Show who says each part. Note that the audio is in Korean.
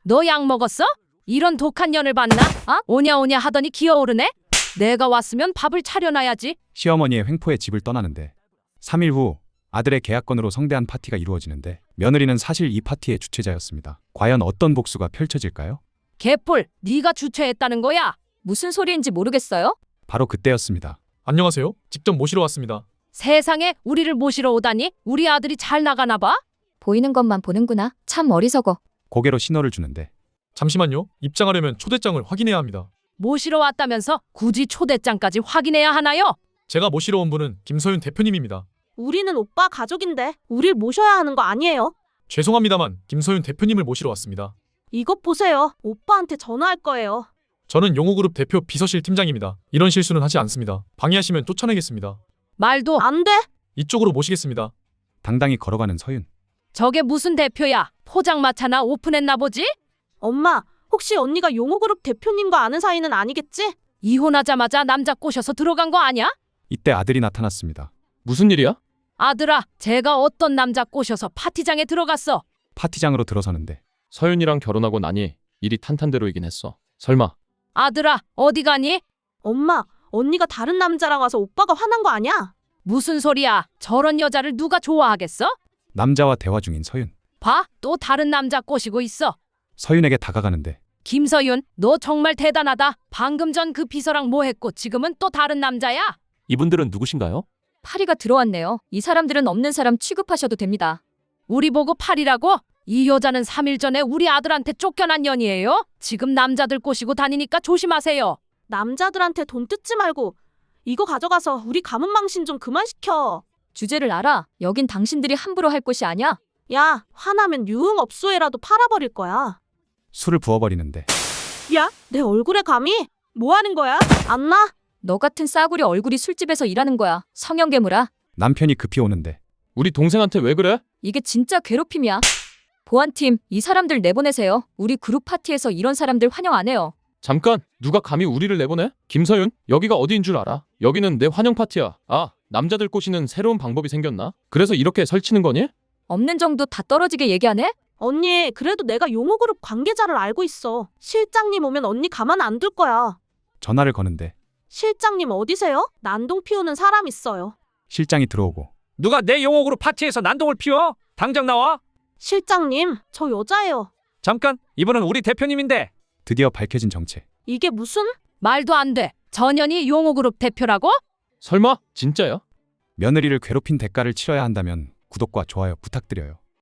Speaker 1: 너 약 먹었어? 이런 독한 년을 봤나? 오냐 오냐 하더니 기어오르네? 내가 왔으면 밥을 차려놔야지.
Speaker 2: 시어머니의 횡포에 집을 떠나는데 3일 후 아들의 계약건으로 성대한 파티가 이루어지는데 며느리는 사실 이 파티의 주최자였습니다. 과연 어떤 복수가 펼쳐질까요?
Speaker 1: 개뿔, 네가 주최했다는 거야?
Speaker 3: 무슨 소리인지 모르겠어요?
Speaker 2: 바로 그때였습니다.
Speaker 4: 안녕하세요. 직접 모시러 왔습니다.
Speaker 1: 세상에 우리를 모시러 오다니? 우리 아들이 잘 나가나 봐?
Speaker 3: 보이는 것만 보는구나. 참 어리석어.
Speaker 2: 고개로 신호를 주는데
Speaker 4: 잠시만요. 입장하려면 초대장을 확인해야 합니다.
Speaker 1: 모시러 왔다면서 굳이 초대장까지 확인해야 하나요?
Speaker 4: 제가 모시러 온 분은 김서윤 대표님입니다.
Speaker 5: 우리는 오빠 가족인데 우릴 모셔야 하는 거 아니에요?
Speaker 4: 죄송합니다만 김서윤 대표님을 모시러 왔습니다.
Speaker 5: 이것 보세요. 오빠한테 전화할 거예요.
Speaker 4: 저는 용호그룹 대표 비서실 팀장입니다. 이런 실수는 하지 않습니다. 방해하시면 쫓아내겠습니다.
Speaker 1: 말도
Speaker 5: 안 돼.
Speaker 4: 이쪽으로 모시겠습니다.
Speaker 2: 당당히 걸어가는 서윤.
Speaker 1: 저게 무슨 대표야? 포장마차나 오픈했나 보지?
Speaker 5: 엄마, 혹시 언니가 용호그룹 대표님과 아는 사이는 아니겠지?
Speaker 1: 이혼하자마자 남자 꼬셔서 들어간 거 아니야?
Speaker 2: 이때 아들이 나타났습니다.
Speaker 6: 무슨 일이야?
Speaker 1: 아들아, 제가 어떤 남자 꼬셔서 파티장에 들어갔어.
Speaker 2: 파티장으로 들어서는데
Speaker 6: 서윤이랑 결혼하고 나니 일이 탄탄대로이긴 했어. 설마
Speaker 1: 아들아, 어디 가니?
Speaker 5: 엄마, 언니가 다른 남자랑 와서 오빠가 화난 거 아니야?
Speaker 1: 무슨 소리야? 저런 여자를 누가 좋아하겠어?
Speaker 2: 남자와 대화 중인 서윤.
Speaker 1: 봐, 또 다른 남자 꼬시고 있어.
Speaker 2: 서윤에게 다가가는데
Speaker 1: 김서윤, 너 정말 대단하다. 방금 전 그 비서랑 뭐 했고 지금은 또 다른 남자야?
Speaker 7: 이분들은 누구신가요?
Speaker 3: 파리가 들어왔네요. 이 사람들은 없는 사람 취급하셔도 됩니다.
Speaker 1: 우리 보고 팔이라고? 이 여자는 3일 전에 우리 아들한테 쫓겨난 년이에요? 지금 남자들 꼬시고 다니니까 조심하세요.
Speaker 5: 남자들한테 돈 뜯지 말고 이거 가져가서 우리 가문 망신 좀 그만 시켜.
Speaker 3: 주제를 알아. 여긴 당신들이 함부로 할 곳이 아니야.
Speaker 5: 야, 화나면 유흥업소에라도 팔아버릴 거야.
Speaker 2: 술을 부어버리는데
Speaker 5: 야, 내 얼굴에 감히? 뭐 하는 거야? 안 나?
Speaker 3: 너 같은 싸구려 얼굴이 술집에서 일하는 거야. 성형괴물아.
Speaker 2: 남편이 급히 오는데
Speaker 6: 우리 동생한테 왜 그래?
Speaker 3: 이게 진짜 괴롭힘이야. 보안팀, 이 사람들 내보내세요. 우리 그룹 파티에서 이런 사람들 환영 안 해요.
Speaker 6: 잠깐, 누가 감히 우리를 내보내? 김서윤, 여기가 어디인 줄 알아? 여기는 내 환영 파티야. 아, 남자들 꼬시는 새로운 방법이 생겼나? 그래서 이렇게 설치는 거니?
Speaker 3: 없는 정도 다 떨어지게 얘기하네?
Speaker 5: 언니, 그래도 내가 용호그룹 관계자를 알고 있어. 실장님 오면 언니 가만 안 둘 거야.
Speaker 2: 전화를 거는데
Speaker 5: 실장님 어디세요? 난동 피우는 사람 있어요.
Speaker 2: 실장이 들어오고
Speaker 8: 누가 내 용호그룹 파티에서 난동을 피워? 당장 나와.
Speaker 5: 실장님, 저 여자예요.
Speaker 8: 잠깐, 이분은 우리 대표님인데.
Speaker 2: 드디어 밝혀진 정체.
Speaker 5: 이게 무슨?
Speaker 1: 말도 안 돼. 전현이 용호그룹 대표라고?
Speaker 6: 설마? 진짜야?
Speaker 2: 며느리를 괴롭힌 대가를 치러야 한다면 구독과 좋아요 부탁드려요.